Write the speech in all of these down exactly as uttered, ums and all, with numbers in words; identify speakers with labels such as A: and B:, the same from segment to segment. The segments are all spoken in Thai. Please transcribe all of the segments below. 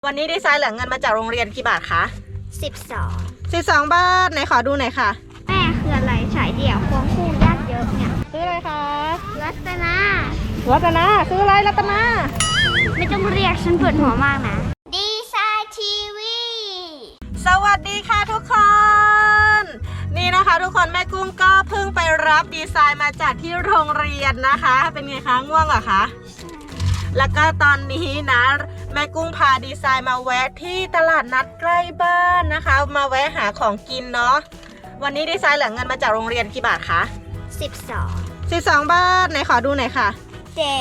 A: วันนี้ดีไซน์เหลือเงินมาจากโรงเรียนกี่บาทคะ
B: สิบสอง
A: สิบสองบาทไหนขอดูหน่อยค่ะ
B: แม่คืออะไรฉายเดี่ยวควงคู่ญาติเยอะเนี่ย
A: ซื้ออะไรคะ
B: รัตนา
A: รัตนาซื้ออะไรรัตนา
B: ไม่ต้องเรียกฉันปวดหัวมากนะดีไซน์ทีวี
A: สวัสดีค่ะทุกคนนี่นะคะทุกคนแม่กุ้งก็เพิ่งไปรับดีไซน์มาจากที่โรงเรียนนะคะเป็นไงคะง่วงเหรอคะแล้วก็ตอนนี้นะแม่กุ้งพาดีไซน์มาแวะที่ตลาดนัดใกล้บ้านนะคะมาแวะหาของกินเนาะวันนี้ดีไซน์เหลือเงินมาจากโรงเรียนกี่บาทคะ
B: สิบสอง
A: สิบสองบาทไหนขอดูหน่อยค่ะ
B: เจ๊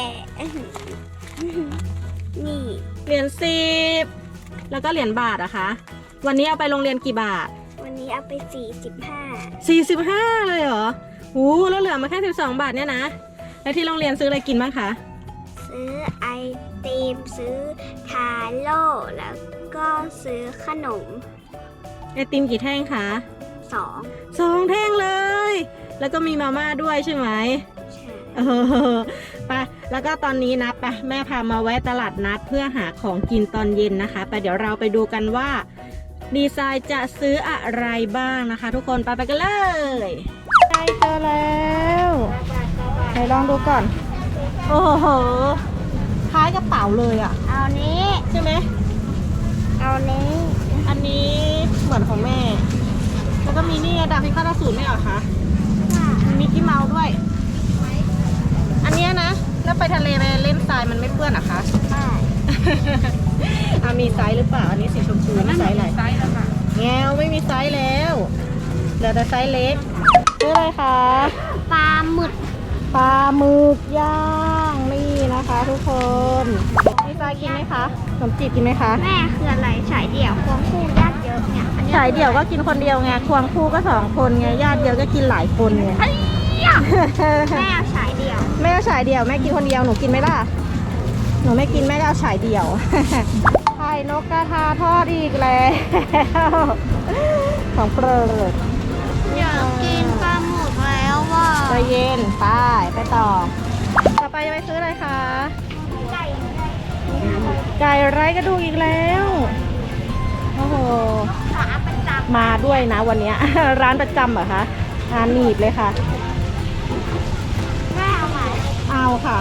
B: นี่
A: เหรียญสิบแล้วก็เหรียญบาทอะคะวันนี้เอาไปโรงเรียนกี่บาท
B: วันนี้เอาไปสี่สิบห้า
A: สี่สิบห้าเลยเหรอโอ้แล้วเหลือมาแค่สิบสองบาทเนี่ยนะแล้วที่โรงเรียนซื้ออะไรกินบ้างคะ
B: ซื้อไอติมซื้อทาโร่แล้วก็ซื้อขนม
A: ไอติมกี่แท่งคะ
B: สอง
A: สองแท่งเลยแล้วก็มีมาม่าด้วยใช่ไหม
B: ใช่
A: เออไปแล้วก็ตอนนี้นะไปแม่พามาแวะตลาดนัดเพื่อหาของกินตอนเย็นนะคะไปเดี๋ยวเราไปดูกันว่าดีไซน์จะซื้ออะไรบ้างนะคะทุกคนไปไปกันเลยใกล้เจอแล้วไหนลองดูก่อนโอ้โหคล้ายกระเป๋าเลยอ่ะ
B: เอานี้
A: ใช่ไหม
B: เอานี้
A: อันนี้เหมือนของแม่แล้วก็มีนี่ดาบพิฆาตอสูรไม่เหรอคะมีมิกกี้เมาส์ด้วยอันนี้นะแล้วไปทะเลไปเล่นทรายมันไม่เปื้อนเหรอคะ
B: ใช่
A: อามีไซส์หรือเปล่าอันนี้สีชมพูไม่ไซส์อะไร
B: ไซส์แล้วค่ะ
A: แงวไม่มีไซส์แล้วเหลือแต่ไซส์เล็กซื้ออะไรคะ
B: ปลาหมึก
A: ปลาหมึกย่างนี่นะคะทุกคนดีไซน์กินไหมคะขนมจีบกินไหมคะ
B: แม่คืออะไรฉายเดี่ยวควงคู่ญาติเยอะเนี่ย
A: ฉายเดี่ยวก็กินคนเดียวไงควงคู่ก็สองคนไงญาติเยอะก็กินหลายคนไง
B: แม่เอาฉายเดี่ยว
A: แม่เอาฉายเดี่ยวแม่กินคนเดียวหนูกินไหมล่ะหนูไม่กินแม่ก็เอาฉายเดี่ยวไข่นกกระทาทอดอีกแล้วของโปรด
B: อยากกินปลาหมึกแล้วว่ะ
A: ใจเย็นไปไปต่อต่อไปจะไปซื้ออะไรคะ
B: ไก่
A: ไก่ไร้กระดูกอีกแล้วโอ้โห
B: ขาประจำ
A: มาด้วยนะวันนี้ร้านประจำเหรอคะอ่าหนีบเลยค่ะ
B: แม่เอาไหม
A: เอาค่ะ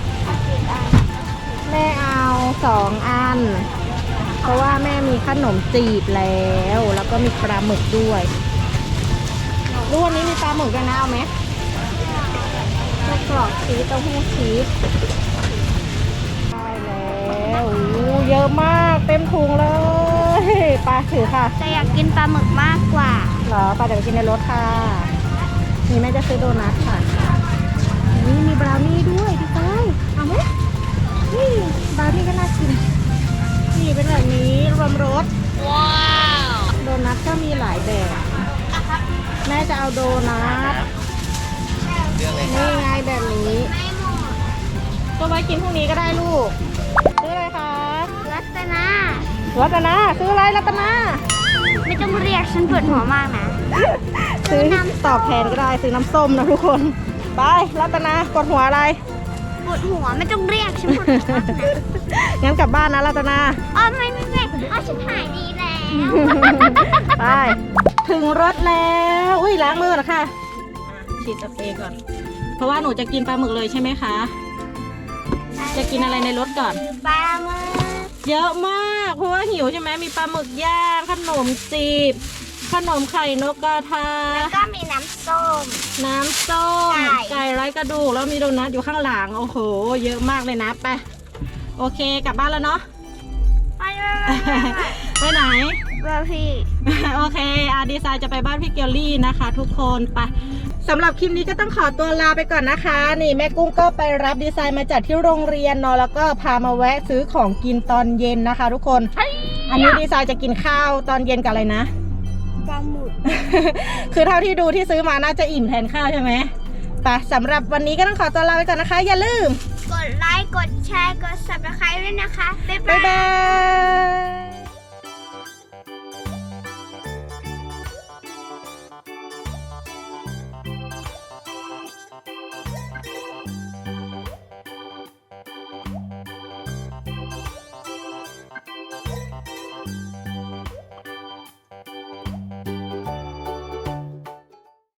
A: แม่เอาสองอันเพราะว่าแม่มีขนมจีบแล้วแล้วก็มีปลาหมึกด้วยรู้วันนี้มีปลาหมึกด้วยนะเอาไหมไส้กรอกชีสเต้าหู้ชีสได้แล้วโอ้เยอะมากเต็มถุงเลยปลาถือค่ะ
B: แต่อยากกินปลาหมึกมากกว่า
A: เหรอปลาเดี๋ยวกินในรถค่ะนี่แม่จะซื้อโดนัทค่ะนี่มีบราวนี่ด้วยพี่ก้อยเอาไหมนี่บราวนี่ก็น่ากินนี่เป็นแบบนี้รวมรส
B: ว้าว
A: โดนัทก็มีหลายแบบแม่จะเอาโดนัทนี่ไงแบบนี้ก็ไว้กินพรุ่งนี้ก็ได้ลูกซื้ออะไรคะ
B: รัตนา
A: รัตนาซื้ออะไรรัตนา
B: ไม่ต้องเรียกฉันปวดหัวมากนะ
A: ซื้อตอบแทนก็ได้ซื้อน้ำส้มนะทุกคนไปรัตนาปวดหัวอะไร
B: ปวดหัวไม่ต้องเรียกฉันปวดหัวมากนะ
A: งั้นกลับบ้านนะรัตนา
B: อ๋อไม่ไม่ไม่อ๋อฉันหายดีแล้ว
A: ไปถึงรถแล้วอุ้ยล้างมือเหรอคะฉีดสเปรย์ก่อนเพราะว่าหนูจะกินปลาหมึกเลยใช่ไหมคะจะกินอะไรในรถก่อน
B: ปลาหมึก
A: เยอะมากเพราะว่าหิวใช่ไหมมีปลาหมึกย่างขนมจีบขนมไข่นกกระทา
B: แล้วก็มีน้ำส้ม
A: น้ำส้มไก่ไร้กระดูกแล้วมีโดนัทอยู่ข้างหลังโอ้โหเยอะมากเลยนะไปโอเคกลับบ้านแล้วเนาะ
B: ไป
A: ไปไหน
B: บ้านพี่
A: โอเคอาดีไซน์จะไปบ้านพี่เกลลี่นะคะทุกคนไปสำหรับคลิปนี้ก็ต้องขอตัวลาไปก่อนนะคะนี่แม่กุ้งก็ไปรับดีไซน์มาจากที่โรงเรียนเนาะแล้วก็พามาแวะซื้อของกินตอนเย็นนะคะทุกคนอันนี้ดีไซน์จะกินข้าวตอนเย็นกับอะไรนะ
B: ปลาหมึก
A: คือเท่าที่ดูที่ซื้อมาน่าจะอิ่มแทนข้าวใช่ไหมไปสำหรับวันนี้ก็ต้องขอตัวลาไปก่อนนะคะอย่าลืม
B: กดไลค์กดแชร์กด ซับสไครบ์ ด้วยนะคะบ๊าย
A: บาย